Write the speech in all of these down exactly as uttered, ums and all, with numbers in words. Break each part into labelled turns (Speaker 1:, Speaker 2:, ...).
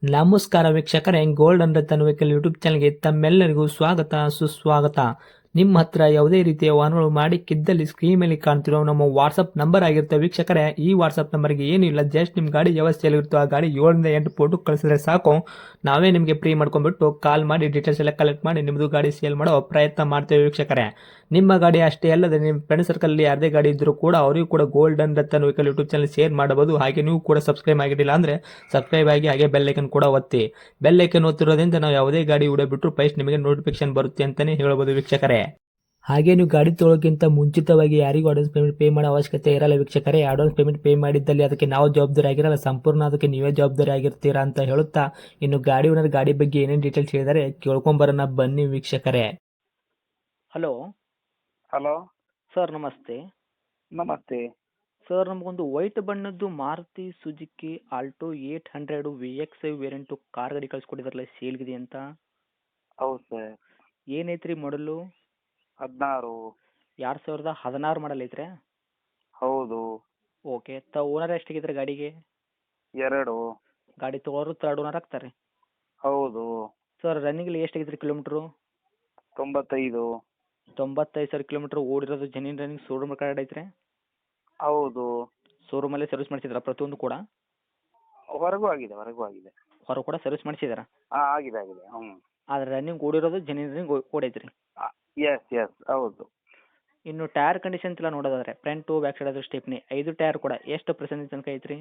Speaker 1: ನಮಸ್ಕಾರ ವೀಕ್ಷಕರೇ, gold and Ratan vehicle YouTube ಚಾನಲ್ಗೆ ತಮ್ಮೆಲ್ಲರಿಗೂ ಸ್ವಾಗತ ಸುಸ್ವಾಗತ. ನಿಮ್ಮ ಹತ್ರ ಯಾವುದೇ ರೀತಿಯ ವಾಹನಗಳು ಮಾಡಿಕ್ಕಿದ್ದಲ್ಲಿ ಸ್ಕ್ರೀನ್ ಮೇಲೆ ಕಾಣ್ತಿರೋ ನಮ್ಮ ವಾಟ್ಸಪ್ ನಂಬರ್ ಆಗಿರುತ್ತೆ ವೀಕ್ಷಕರೇ. ಈ ವಾಟ್ಸಪ್ ನಂಬರ್ಗೆ ಏನಿಲ್ಲ, ಜಸ್ಟ್ ನಿಮ್ಮ ಗಾಡಿ ವ್ಯವಸ್ಥೆಯಲ್ಲಿರುತ್ತೋ ಆ ಗಾಡಿ ಏಳರಿಂದ ಎಂಟು ಫೋಟೋ ಕಳಿಸಿದ್ರೆ ಸಾಕು, ನಾವೇ ನಿಮಗೆ ಫ್ರೀ ಮಾಡ್ಕೊಂಡ್ಬಿಟ್ಟು ಕಾಲ್ ಮಾಡಿ ಡೀಟೇಲ್ಸ್ ಎಲ್ಲ ಕಲೆಕ್ಟ್ ಮಾಡಿ ನಿಮ್ಮದು ಗಾಡಿ ಸೇಲ್ ಮಾಡೋ ಪ್ರಯತ್ನ ಮಾಡ್ತೇವೆ ವೀಕ್ಷಕರೇ. ನಿಮ್ಮ ಗಾಡಿ ಅಷ್ಟೇ ಅಲ್ಲದೆ ನಿಮ್ಮ ಫ್ರೆಂಡ್ ಸರ್ಕಲ್ ಯಾರದೇ ಗಾಡಿ ಇದ್ದರೂ ಕೂಡ ಅವರಿಗೂ ಕೂಡ gold and Ratan vehicle YouTube channel share ಮಾಡಬಹುದು. ಹಾಗೆ ನೀವು ಕೂಡ ಸಬ್ಸ್ಕ್ರೈಬ್ ಆಗಿರಲಿಲ್ಲ ಅಂದರೆ ಸಬ್ಸ್ಕ್ರೈಬ್ ಆಗಿ ಹಾಗೆ ಬೆಲ್ ಐಕನ್ ಕೂಡ ಒತ್ತಿ. ಬೆಲ್ ಐಕನ್ ಒತ್ತಿರೋದ್ರಿಂದ ನಾವು ಯಾವುದೇ ಗಾಡಿ ವಿಡಿಯೋ ಬಿಟ್ಟರು ಫಸ್ಟ್ ನಿಮಗೆ ನೋಟಿಫಿಕೇಶನ್ ಬರುತ್ತೆ ಅಂತಾನೆ ಹೇಳ್ಬೋದು ವೀಕ್ಷಕರೇ. ಹಾಗೆ ನೀವು ಗಾಡಿ ತೊಳೋಕ್ಕಿಂತ ಮುಂಚಿತವಾಗಿ ಯಾರಿಗೂ ಅಡ್ವಾನ್ಸ್ ಪೇಮೆಂಟ್ ಪೇ ಮಾಡೋ ಅವಶ್ಯಕತೆ ಇರಲ್ಲ ವೀಕ್ಷಕರೇ. ಅಡ್ವಾನ್ಸ್ ಪೇಮೆಂಟ್ ಪೇ ಮಾಡಿದ್ದಲ್ಲಿ ಅದಕ್ಕೆ ನಾವು ಜವಾಬ್ದಾರಿ ಆಗಿರಲ್ಲ, ಸಂಪೂರ್ಣ ಅದಕ್ಕೆ ನೀವೇ ಜವಾಬ್ದಾರಿ ಆಗಿರ್ತೀರಾ ಅಂತ ಹೇಳುತ್ತಾ, ಇನ್ನು ಗಾಡಿ ಓನರ್ ಗಾಡಿ ಬಗ್ಗೆ ಏನೇನು ಡೀಟೇಲ್ಸ್ ಹೇಳಿದರೆ ಕೇಳ್ಕೊಂಬರೋಣ ಬನ್ನಿ ವೀಕ್ಷಕರೇ.
Speaker 2: ಹಲೋ
Speaker 3: ಹಲೋ
Speaker 2: ಸರ್, ನಮಸ್ತೆ.
Speaker 3: ನಮಸ್ತೆ.
Speaker 2: ಸರ್, ನಮಗೊಂದು ವೈಟ್ ಬಣ್ಣದ್ದು Maruti Suzuki Alto eight hundred V X I variant car ಗಾಡಿ ಕಳಿಸ್ಕೊಟ್ಟಿದ್ರಲ್ಲ, ಸೇಲ್ಗಿದೆ ಅಂತ.
Speaker 3: ಹೌದು ಸರ್.
Speaker 2: ಏನೈತ್ರಿ ಮಾಡಲು?
Speaker 3: ಹದಿನಾರು.
Speaker 2: ಎರಡು ಸಾವಿರದ ಹದಿನಾರು ಮಾಡಲ್ ಐತ್ರಿ?
Speaker 3: ಹೌದು.
Speaker 2: ಓಕೆ. ತ ಓನರ್ ಎಷ್ಟಾಗಿದ್ರೆ ಗಾಡಿಗೆ?
Speaker 3: ಎರಡು.
Speaker 2: ಗಾಡಿ ತೊಗೊಳೋರು ತರ್ಡ್ ಓನರ್ ಆಗ್ತಾರೆ?
Speaker 3: ಹೌದು.
Speaker 2: ಸರ್, ರನ್ನಿಂಗಲ್ಲಿ ಎಷ್ಟಾಗಿದ್ರಿ ಕಿಲೋಮೀಟ್ರು?
Speaker 3: ತೊಂಬತ್ತೈದು.
Speaker 2: ತೊಂಬತ್ತೈದು ಸಾವಿರ ಕಿಲೋಮೀಟ್ರ್ ಓಡಿರೋದು. ಜೆನ್ಯೂನ್ ರನ್ನಿಂಗ್ ಶೋರೂಮ್ ಕಾರ್ಡ್ ಐತ್ರಿ?
Speaker 3: ಹೌದು.
Speaker 2: ಶೋರೂಮಲ್ಲೇ ಸರ್ವಿಸ್ ಮಾಡಿಸಿದ್ರಾ ಪ್ರತಿಯೊಂದು ಕೂಡ?
Speaker 3: ಹೊರಗೂ ಆಗಿದೆ, ಹೊರಗೂ ಆಗಿದೆ.
Speaker 2: ಹೊರ ಕೂಡ ಸರ್ವಿಸ್ ಮಾಡಿಸಿದಾರಾ?
Speaker 3: ಹಾಂ, ಆಗಿದೆ ಆಗಿದೆ. ಹ್ಞೂ.
Speaker 2: ಆದರೆ ರನ್ನಿಂಗ್ ಓಡಿರೋದು ಜೆನ್ಯೂನ್ ರನ್ನಿಂಗ್ ಓಡೈತ್ರಿ?
Speaker 3: ಎಸ್ ಎಸ್ ಹೌದು.
Speaker 2: ಇನ್ನು ಟೈರ್ ಕಂಡೀಷನ್ಸ್ ಎಲ್ಲ ನೋಡೋದಾದ್ರೆ ಫ್ರಂಟು ಬ್ಯಾಕ್ ಸೈಡ್ ಆದರೂ ಸ್ಟೆಪ್ನಿ ಐದು ಟೈರ್ ಕೂಡ ಎಷ್ಟು ಪರ್ಸೆಂಟೇಜ್ ತನಕ ಐತ್ರಿ?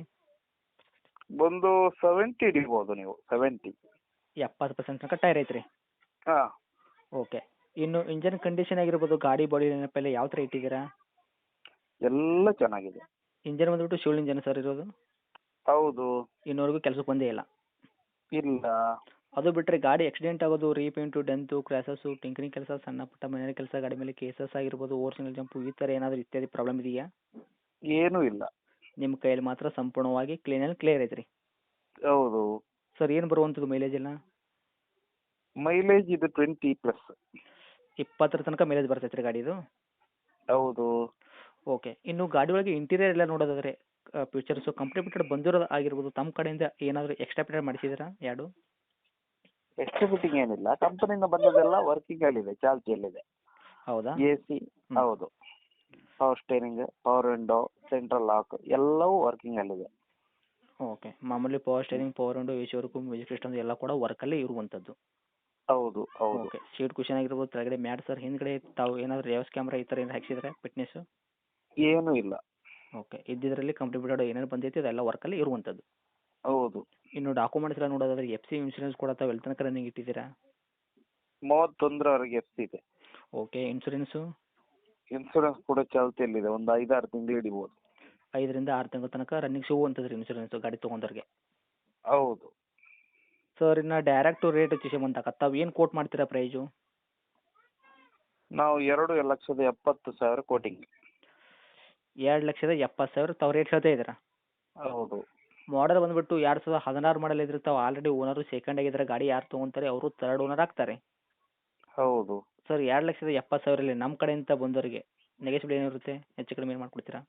Speaker 3: ಒಂದು ಸೆವೆಂಟಿ ಹಿಡಿಬೋದು ನೀವು, ಸೆವೆಂಟಿ.
Speaker 2: ಎಪ್ಪತ್ತು ಪರ್ಸೆಂಟ್ ತನಕ ಟೈರ್ ಐತ್ರಿ?
Speaker 3: ಹಾಂ.
Speaker 2: ಓಕೆ. ಇನ್ನು ಇಂಜನ್ ಕಂಡೀಷನ್ ಆಗಿರ್ಬೋದು, ಗಾಡಿ ಬಾಡಿ ನೆನಪೆಲ್ಲ ಯಾವ ಥರ ಇಟ್ಟಿದ್ದೀರಾ?
Speaker 3: ಎಲ್ಲ ಚೆನ್ನಾಗಿದೆ.
Speaker 2: ಇಂಜನ್ ಬಂದುಬಿಟ್ಟು ಶಿವಲ್ ಇಂಜನ್ ಸರ್ ಇರೋದು?
Speaker 3: ಹೌದು.
Speaker 2: ಇನ್ನೂವರೆಗೂ ಕೆಲಸಕ್ಕೆ ಬಂದೇ ಇಲ್ಲ?
Speaker 3: ಇಲ್ಲ.
Speaker 2: ಅದು ಬಿಟ್ಟರೆ ಗಾಡಿ ಆಕ್ಸಿಡೆಂಟ್ ಆಗೋದು, ರೀಪೇಂಟು, ಡೆಂತು, ಕ್ರ್ಯಾಸಸ್ಸು, ಟಿಂಕರಿಂಗ್ ಕೆಲಸ, ಸಣ್ಣ ಪುಟ್ಟ ಮನೆ ಕೆಲಸ, ಗಾಡಿ ಮೇಲೆ ಕೇಸಸ್ ಆಗಿರ್ಬೋದು, ಓವರ್ ಸಿಂಗಲ್ ಜಂಪು, ಈ ಥರ ಏನಾದರೂ ಇತ್ಯಾದಿ ಪ್ರಾಬ್ಲಮ್ ಇದೆಯಾ?
Speaker 3: ಏನೂ ಇಲ್ಲ.
Speaker 2: ನಿಮ್ಮ ಕೈಯಲ್ಲಿ ಮಾತ್ರ ಸಂಪೂರ್ಣವಾಗಿ ಕ್ಲೀನ್ ಆ್ಯಂಡ್ ಕ್ಲಿಯರ್ ಐತ್ರಿ?
Speaker 3: ಹೌದು.
Speaker 2: ಸರ್, ಏನು ಬರುವಂಥದ್ದು ಮೈಲೇಜ್ ಎಲ್ಲ?
Speaker 3: ಮೈಲೇಜ್ ಇದು ಟ್ವೆಂಟಿ ಪ್ಲಸ್.
Speaker 2: ಇಪ್ಪತ್ತರ ತನಕ ಮೈಲೇಜ್ ಬರ್ತೈತೆ ರೀ ಗಾಡಿದು?
Speaker 3: ಹೌದು.
Speaker 2: ಓಕೆ. ಇನ್ನು ಗಾಡಿ ಒಳಗೆ ಇಂಟೀರಿಯರ್ ಎಲ್ಲ ನೋಡೋದಾದರೆ ಫ್ಯೂಚರ್ಸು ಕಂಪ್ನಿ ಬಿಟ್ಟೆಡ್ ಬಂದಿರೋದು ಆಗಿರ್ಬೋದು, ತಮ್ಮ ಕಡೆಯಿಂದ ಏನಾದರೂ ಎಕ್ಸ್ಟ್ರಾ ಫಿಟೆಡ್ ಮಾಡಿಸಿದ್ದೀರಾ ಎರಡು?
Speaker 3: ಎಕ್ಸ್ಟ್ರಾ ಫಿಟ್ಟಿಂಗ್ ಏನಿಲ್ಲ, ಕಂಪನಿಯಿಂದ ಬಂದದೆಲ್ಲ ವರ್ಕಿಂಗಲ್ಲಿದೆ, ಚಾಲ್ತಿಯಲ್ಲಿದೆ.
Speaker 2: ಹೌದಾ?
Speaker 3: A C. ಹೌದು. Power steering, power window, central lock ಎಲ್ಲವೂ ವರ್ಕಿಂಗಲ್ಲಿದೆ.
Speaker 2: ಓಕೆ. ಮಾಮೂಲಿ power steering, power window, A C work, music system ಎಲ್ಲ ಕೂಡ ವರ್ಕಲ್ಲೇ ಇರುವಂಥದ್ದು?
Speaker 3: ಹೌದು ಹೌದು.
Speaker 2: ಓಕೆ. ಸೀಟ್ ಕುಷನ್ ಆಗಿರ್ಬೋದು, ಕೆಳಗಡೆ ಮ್ಯಾಟ್ ಸರ್, ಹಿಂದ್ಗಡೆ ತಾವು ಏನಾದರೂ ರೇವಸ್ ಕ್ಯಾಮ್ರಾ ಈ ಥರ ಏನಾರು ಹಾಕ್ಸಿದ್ರೆ ಫಿಟ್ನೆಸ್ಸು?
Speaker 3: ಏನೂ ಇಲ್ಲ.
Speaker 2: ಓಕೆ. ಇದ್ದಿದ್ರಲ್ಲಿ ಕಂಪ್ನಿ ಬಿಟ್ಟೆಡ್ ಏನೇನು ಬಂದೈತಿ ಅದೆಲ್ಲ ವರ್ಕಲ್ಲಿ ಇರುವಂಥದ್ದು?
Speaker 3: ಹೌದು.
Speaker 2: ಇನ್ನು ಡಾಕ್ಯುಮೆಂಟ್ಸ್ ಎಲ್ಲ ನೋಡೋದಾದ್ರೆ ಎಫ್ ಸಿ ಇನ್ಶೂರೆನ್ಸ್ ಕೂಡ ತಾವು ಎಲ್ಲಿ ತನಕ ರನ್ನಿಂಗ್ ಇಟ್ಟಿದ್ದೀರಾ?
Speaker 3: ಮೂವತ್ತೊಂದರವರೆಗೆ ಎಫ್ ಸಿ ಇದೆ.
Speaker 2: ಓಕೆ. ಇನ್ಶೂರೆನ್ಸು?
Speaker 3: ಇನ್ಸೂರೆನ್ಸ್ ಕೂಡ ಚಾಲ್ತಿಯಲ್ಲಿದೆ, ಒಂದು ಐದಾರು ತಿಂಗಳು ಹಿಡಿಬೋದು.
Speaker 2: ಐದರಿಂದ ಆರು ತಿಂಗಳ ತನಕ ರನ್ನಿಂಗ್ ಸಿಗುವಂಥದ್ದು ರೀ ಇನ್ಶೂರೆನ್ಸು ಗಾಡಿ ತೊಗೊಂಡವ್ರಿಗೆ?
Speaker 3: ಹೌದು.
Speaker 2: ಸರ್, ಇನ್ನು ಡೈರೆಕ್ಟು ರೇಟ್ ವಿಷಯ ಬಂದಾಗ ತಾವು ಏನು ಕೋಟ್ ಮಾಡ್ತೀರಾ ಪ್ರೈಜು?
Speaker 3: ನಾವು ಎರಡು ಲಕ್ಷದ ಎಪ್ಪತ್ತು ಸಾವಿರ ಕೋಟಿಂಗ್.
Speaker 2: ಎರಡು ಲಕ್ಷದ ಎಪ್ಪತ್ತು ಸಾವಿರ ತಾವು ರೇಟ್ ಹೇಳ್ತಾ ಇದ್ದೀರಾ?
Speaker 3: ಹೌದು.
Speaker 2: ಮಾಡಲ್ ಬಂದುಬಿಟ್ಟು ಎರಡು ಸಾವಿರದ ಹದಿನಾರು ಮಾಡಲ್ ಇದ್ರೆ ತಾವು ಆಲ್ರೆಡಿ ಓನರು ಸೆಕೆಂಡ್ ಆಗಿದ್ದಾರೆ. ಗಾಡಿ ಯಾರು ತೊಗೊತಾರೆ ಅವರು ತರ್ಡ್ ಓನರ್ ಆಗ್ತಾರೆ?
Speaker 3: ಹೌದು.
Speaker 2: ಸರ್, ಎರಡು ಲಕ್ಷದ ಎಪ್ಪತ್ತು ಸಾವಿರಲ್ಲಿ ನಮ್ಮ ಕಡೆಯಿಂದ ಬಂದವರಿಗೆ ನೆಗೆಸಿಬಲ್ ಏನಿರುತ್ತೆ, ಹೆಚ್ಚು ಕಡಿಮೆ ಏನು ಮಾಡಿಕೊಡ್ತೀರಾ?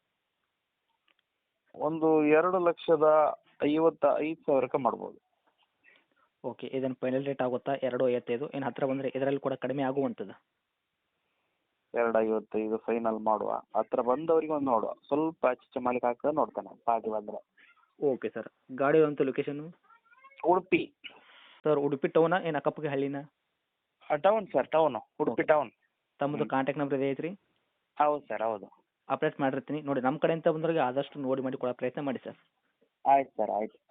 Speaker 3: ಒಂದು ಎರಡು ಲಕ್ಷದ ಐವತ್ತ ಐದು ಸಾವಿರಕ್ಕೆ ಮಾಡ್ಬೋದು.
Speaker 2: ಓಕೆ. ಇದನ್ನು ಫೈನಲ್ ರೇಟ್ ಆಗುತ್ತಾ? ಎರಡು ಐವತ್ತೈದು ಏನು ಹತ್ತಿರ ಬಂದರೆ ಇದರಲ್ಲಿ ಕೂಡ ಕಡಿಮೆ ಆಗುವಂಥದ್ದು?
Speaker 3: ಎರಡು ಐವತ್ತೈದು ಫೈನಲ್ ಮಾಡುವ, ಹತ್ರ ಬಂದವರಿಗೆ ಒಂದು ನೋಡುವ, ಸ್ವಲ್ಪ ಆಚೆ ಮಾಲಿಕ್ ಹಾಕಿದ್ರೆ ನೋಡ್ತಾನೆ ಪಾರ್ಟಿ ಬಂದರೆ.
Speaker 2: Okay sir. ಗಾಡಿ ಇರುವಂಥ ಲೊಕೇಶನ್ನು?
Speaker 3: ಉಡುಪಿ.
Speaker 2: ಸರ್, ಉಡುಪಿ ಟೌನಾ ಏನು ಅಕ್ಕಪಕ್ಕ ಹಳ್ಳಿನ?
Speaker 3: Town sir, town, Udupi town.
Speaker 2: ತಮ್ಮದು ಕಾಂಟ್ಯಾಕ್ಟ್ ನಂಬರ್ ಇದೆ ಐತ್ರಿ?
Speaker 3: ಹೌದು ಸರ್, ಹೌದು.
Speaker 2: ಅಪ್ಡೇಟ್ ಮಾಡಿರ್ತೀನಿ ನೋಡಿ. ನಮ್ಮ ಕಡೆಯಿಂದ ಬಂದವರಿಗೆ ಆದಷ್ಟು ನೋಡಿ ಮಾಡಿ ಕೊಡೋ ಪ್ರಯತ್ನ ಮಾಡಿ ಸರ್.
Speaker 3: ಆಯ್ತು ಸರ್, ಆಯ್ತು.